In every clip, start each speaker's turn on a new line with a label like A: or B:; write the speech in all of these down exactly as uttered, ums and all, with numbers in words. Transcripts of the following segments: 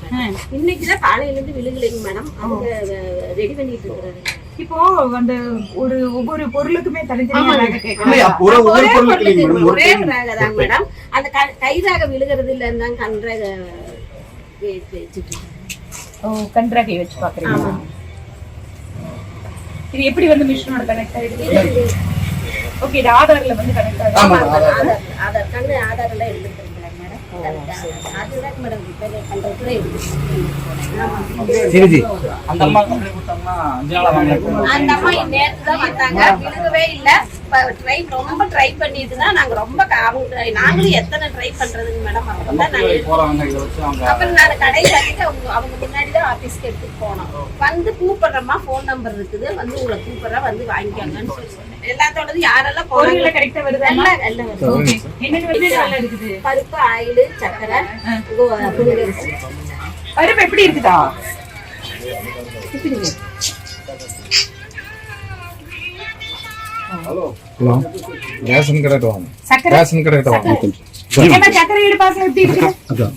A: இன்னைக்குதான் காலையில இருந்து விழுகலைங்க மேடம். அவங்க ரெடி பண்ணிட்டு இருக்காரு.
B: இப்போ அந்த ஒரு ஒவ்வொரு பொருளுக்குமே தனித்தனியா
A: ஒரே ரேகை தான் மேடம். அந்த கை ரேகை விழுகிறது இல்ல இருந்தாங்க கண் ரேகை வச்சுட்டு.
B: ஓ, கண் ரேகை வச்சு பாக்குறீங்க. இது எப்படி வந்து மிஷினோட கனெக்ட் ஆயிடுது? ஓகே, இது ஆதார்ல வந்து கனெக்ட் ஆகுது.
A: ஆமா, ஆதார் ஆதார் கண்ணு ஆதார்ல எடுத்துக்கிறேன் மேடம். அதுதான் மேடம் ரிப்பேர் பண்றதுல இருக்கு.
C: சரிஜி,
D: அந்த அம்மா கம்பெனி கொடுத்தாங்கன்னா அஞ்சு நாளா வாங்கலாம்.
A: அந்த அம்மா நேத்து தான் வந்தாங்க, விழுகவே இல்ல. ட்ரை ரொம்ப ட்ரை பண்ணிட்டுனா நாங்க ரொம்ப அவங்க நாங்களும் எத்தனை ட்ரை பண்றதுங்க மேடம். அப்பதான் நாங்க
D: போறாங்க இத வச்சு அவங்க.
A: அப்புறம் நான் கடையில கிட்ட அவங்க அவங்க முன்னாடி தான் ஆபீஸ்க்கு எடுத்துட்டு போனோம். வந்து கூப்பிடுறமா ஃபோன் நம்பர் இருக்குது, வந்து உங்களை கூப்பிடுறா, வந்து வாங்கிக்கங்கன்னு சொல்லி சொன்னேன். எல்லாத்தோடது யாரெல்லாம்
B: பொருள்ல கரெக்டா வருது?
A: எல்லாம் எல்லாம் வருது.
B: ஓகே, என்னென்ன என்னென்ன இருக்குது?
A: பருப்பு, ஆயில், சக்கரை, புளிகரிசி.
B: பருப்பு எப்படி இருக்குதா?
C: ஹலோ, ரேஷன் கடை வாங்க.
B: சக்கரை
C: ரேஷன் கடை வாங்க.
B: என்ன சக்கரை எடு பாக்க எப்படி இருக்கு? அதான்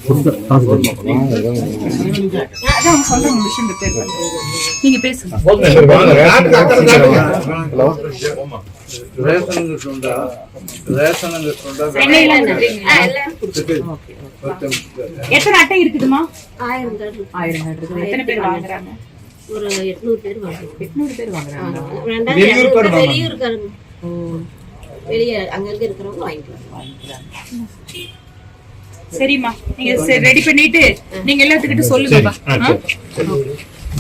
B: சொல்றேன் மிஷின் ரிப்பேர் பண்ணு. நீங்க பேசுங்க.
C: ஹலோ,
D: ரேஷனுக்கு சொந்தா ரேஷனுக்கு சொந்தா
B: சென்னையில இருக்கீங்க. எத்தனை அட்டை இருக்குதுமா?
A: ஆயிரம் கார்டு
B: ஆயிரம் கார்டு இருக்குது. எத்தனை பேர் வாங்குறாங்க?
A: ஒரு எட்நூறு பேர் வாங்குறாங்க.
B: எட்நூறு பேர் வாங்குறாங்க.
A: வெளியூருக்காரங்க வெளியே அங்கங்க இருக்கிறவங்க வாங்கிக்கலாம்.
B: சரிம்மா, நீங்க ரெடி பண்ணிட்டு நீங்க எல்லாத்துக்கிட்ட சொல்லுங்கப்பா.